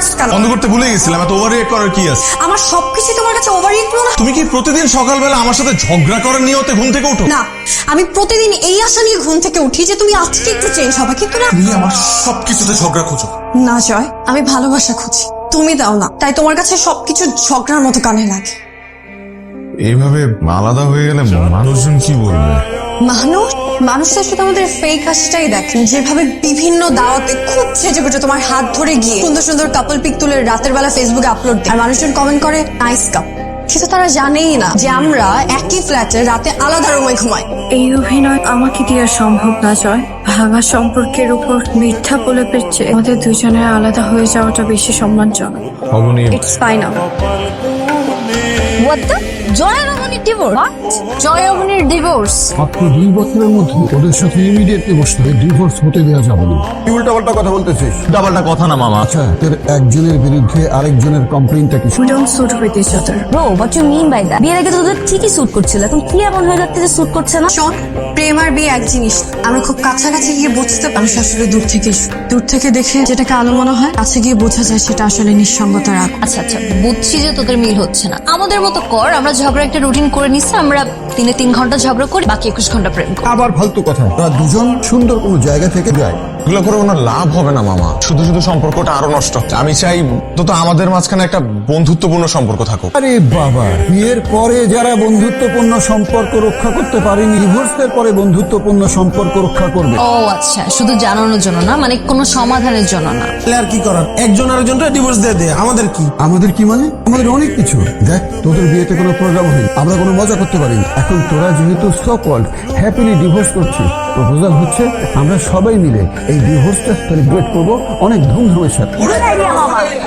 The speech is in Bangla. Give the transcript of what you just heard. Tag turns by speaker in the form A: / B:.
A: রাখছ কেন?
B: বন্ধ করতে ভুলে গেছিলাম, এত ওভার রিঅ্যাক্ট করার কি আছে?
A: আমার সবকিছু তোমার কাছে ওভার রিঅ্যাক্ট মনে হয়?
B: তুমি কি প্রতিদিন সকালবেলা আমার সাথে ঝগড়া করার নিয়তে ঘুম থেকে ওঠো?
A: না, আমি প্রতিদিন এই আশা নিয়ে ঘুম থেকে উঠি যে তুমি আজকে একটু চেঞ্জ হবে, কিন্তু না।
B: তুমি আমার সবকিছুতে ঝগড়া খোঁজো।
A: না জয়, আমি ভালোবাসা খুঁজি, তুমি দাও না, তাই তোমার কাছে সবকিছু ঝগড়ার মতো কানে লাগে।
B: এইভাবে আলাদা হয়ে গেলে মানুষজন কি বলবে?
A: মানুষ তো শুধু আমাদের ফেক হাসিটাই দেখেন, যেভাবে বিভিন্ন দাওয়াতে খুব সেজে গুজে তোমার হাত ধরে গিয়ে সুন্দর সুন্দর কাপল পিক তুলে রাতের বেলা ফেসবুকে আপলোড দেয়, আর মানুষজন কমেন্ট করে নাইস কাপ, কিন্তু তারা জানেই না যে আমরা একই ফ্ল্যাটে রাতে আলাদা রুমে ঘুমাই।
C: এই অভিনয় আমাকে দেওয়া সম্ভব না জয়। ভাঙা সম্পর্কের উপর মিথ্যা প্রলেপের চেয়ে আমাদের দুজনের আলাদা হয়ে যাওয়াটা বেশি সম্মানজনক। It's final.
D: What the? Joy রমণীর ডিভোর্স? জয় রমণীর ডিভোর্স?
E: মাত্র 2 বছরের মধ্যে ওদের সাথে ইমিডিয়েটলি বসতে ডিভোর্স হতে দেওয়া যাবে না। কি উল্টাপাল্টা কথা বলতেছিস?
B: ডাবলটা কথা না মামা।
E: আচ্ছা, তোর একজনের বিরুদ্ধে আরেকজনের কমপ্লেইনটা কি?
C: We don't suit with each other.
D: Bro, what you mean by that? বিয়ের আগে তো তোদের ঠিকই স্যুট করছিল, এখন কি এমন হয়ে যাচ্ছে যে স্যুট করছে না?
A: শোন, প্রেম আর বিয়ে এক জিনিস। আমরা খুব কাছাকাছি গিয়ে বুঝতে পারি আসলে দূর থেকে দেখে যেটাকে আলো মনে হয়, কাছে গিয়ে বোঝা যায় সেটা আসলে নিঃসঙ্গতার আগ।
D: আচ্ছা আচ্ছা, বুঝছি যে তোদের মিল হচ্ছে না। আমাদের মতো কর, আমরা ঝগড়া একটা রুটিন করে নিচ্ছি, আমরা দিনে 3 ঘন্টা ঝগড়া করি, বাকি 21 ঘন্টা প্রেম করি।
E: আবার ফালতু কথা। ওরা দুজন সুন্দর কোনো জায়গা থেকে যায়।
B: এগুলো করে কোনো লাভ হবে না মামা, শুধু শুধু সম্পর্কটা আরো নষ্ট হচ্ছে। আমি চাই তো আমাদের মাঝখানে একটা বন্ধুত্বপূর্ণ সম্পর্ক থাকুক।
E: আরে বাবা, বিয়ের পরে যারা বন্ধুত্বপূর্ণ সম্পর্ক রক্ষা করতে পারেনি, ডিভোর্সের পরে বন্ধুত্বপূর্ণ সম্পর্ক রক্ষা করবে।
D: ও আচ্ছা, শুধু জানানোর জন্য না, মানে কোনো সমাধানের জন্য না।
F: আর কি করার, একজন আরেকজনটা ডিভোর্স দিয়ে দেয়, আমাদের কি?
E: আমাদের কি মানে? আমাদের অনেক কিছু। দেখ, তোদের বিয়েতে কোনো প্রোগ্রাম হয়নি, আমরা কোনো মজা করতে পারিনি। এখন তোরা যেহেতু সো কল্ড হ্যাপিলি ডিভোর্স করছিস, প্রপোজাল হচ্ছে আমরা সবাই মিলে এই ডিভোর্সটা সেলিব্রেট করবো অনেক ধুমধামের সাথে।